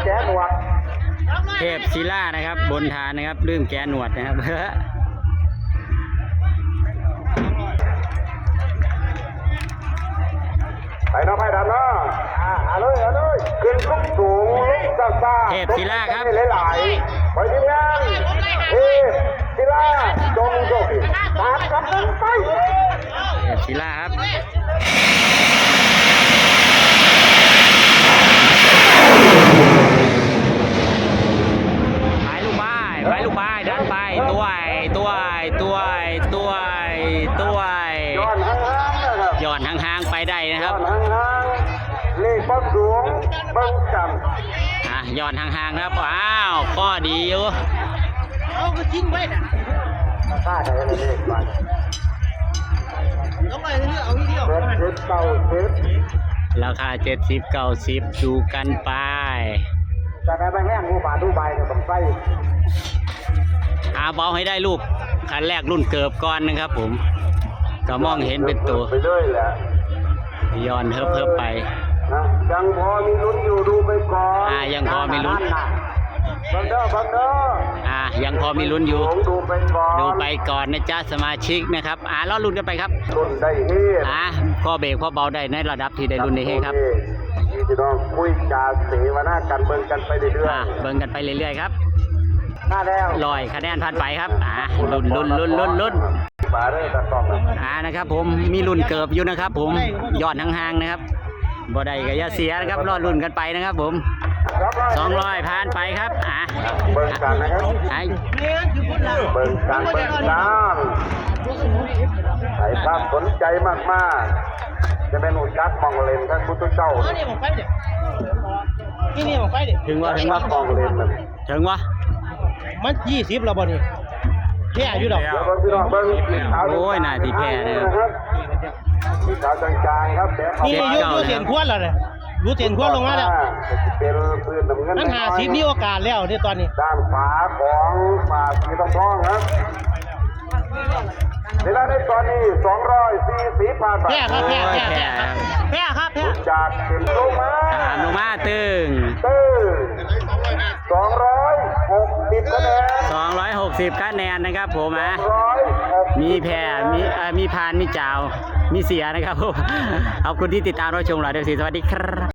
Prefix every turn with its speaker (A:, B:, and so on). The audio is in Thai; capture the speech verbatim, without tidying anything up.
A: แกหนวด
B: เทพศิลานะครับบนฐานนะครับลืมแกหนวดนะครับ
A: ไปน้องไปดันเนาะอ่าเอาเลยเอาเลยขึ้นสูงสูงซ่าซ่า
B: เทพศิลาครับ
A: หลายๆไปทีมงานเทพศิลาจงโชคดีตามกำลังไป
B: เทพศิลาครับไปลูกบ้ายไปลูกบ้ายเดินไปตัวตัวตัวตัวตัว
A: ย้อนห่างๆนะครับ
B: ย้อนห่างๆไปได้นะครับ
A: ย้อนห่างๆเลขเบิ้งดวงเบิ้งจำ
B: อ่ะย้อนห่างๆครับอ้าวก็ดีอยู่
C: เอาก็ทิ้งไว้น่ะ
A: ค่าได้เลขมัน
C: เอาไปเรื่อยเอาทีเดียว
A: เจ็ดเก้าสิบ
B: ราคาเจ็ดสิบเก้าสิบดูกันไป
A: จะได้ไปแห้งงูป่าดูใบก็ต้องใส่
B: อาเบาให้ได้ลูกคันแรกรุ่นเกิบก่อนนะครับผมก็มองเห็นเป็นตัว
A: ไปเลยแหละ
B: ย้อนเพิ่มเพิ่มไป
A: ยังพอมีลุ้นอยู่ดูไปก่อน
B: อ่ายังพอมีลุ้น
A: บังเด้อบังเด้อ
B: อ่ายังพอมีลุ้นอยู่
A: ดูไปก่อน
B: ดูไปก่อนนะจ๊ะสมาชิกนะครับอ่ารอลุ้นกันไปครับ
A: ลุ้นได้เฮ
B: อ่าข้อเบรกข้อเบาได้ในระดับที่ได้ลุ้นได้เฮครับ
A: พี่น้องคุยจาเสวนากันเบิ่งกันไปเรื่อย
B: ๆเบิ่งกันไปเรื่อยๆครับ
A: หน้าแล้ว
B: ลอยคะแนนผ่านไปครับอ่าลุ้นลุ้นลุ้นลุ้นลุ้น
A: ป่าเด้อตะต้อง
B: อ่านะครับผมมีลุ้นเกิบอยู่นะครับผมยอดห่างๆนะครับบ่ได้ก็อย่าเสียนะครับรอลุ้นกันไปนะครับผมสองร้อยผ่านไปครับอ่า
A: เบิ่งกันนะครับ
B: ไอ้
A: เบิ่งกันเบิ่งกันใครภาพสนใจมากๆจะเป็นอุจักมองเลนท่านพุทธเจ้า
C: นี่มองไปเด็ดนี่นี่มองไปเด็ด
B: ถึงว่าถึงว่าม
A: องเลนมัน
B: ถึงว่า
C: มันยี่สิบแล้วบ่นี่แพ้อยู่ดอก
B: โอ้ยน่าที่แพ้
A: นะครับมีขาวจางๆครับ
C: นี่ยุยุเสียนควนแล้วเนี่ยยุเสียนควนลงมาแล้ว
A: เป็นปืนน้ำเงิน
C: นั่นหาสิบมีโอกาสแล้วที่ตอนนี้
A: ด้านขวาของฝ่าสีทองทองครับเวลาในตอนนี้สองร้อยสี่สิบผ่านไป
C: แพ้ครับแพ้แพ้แพ้แพ้ครับแพ้
A: จากเข็มลงมา
B: ตามลงมาตึง
A: ตึงสองร้อยหกสิบคะแนน
B: สองร้อยหกสิบคะแนนนะครับผมอ่ะมีแพ้มีมีพานมีจ่าวมีเสียนะครับผมขอบคุณที่ติดตามรับชมเราเดี๋ยวสิสวัสดีครับ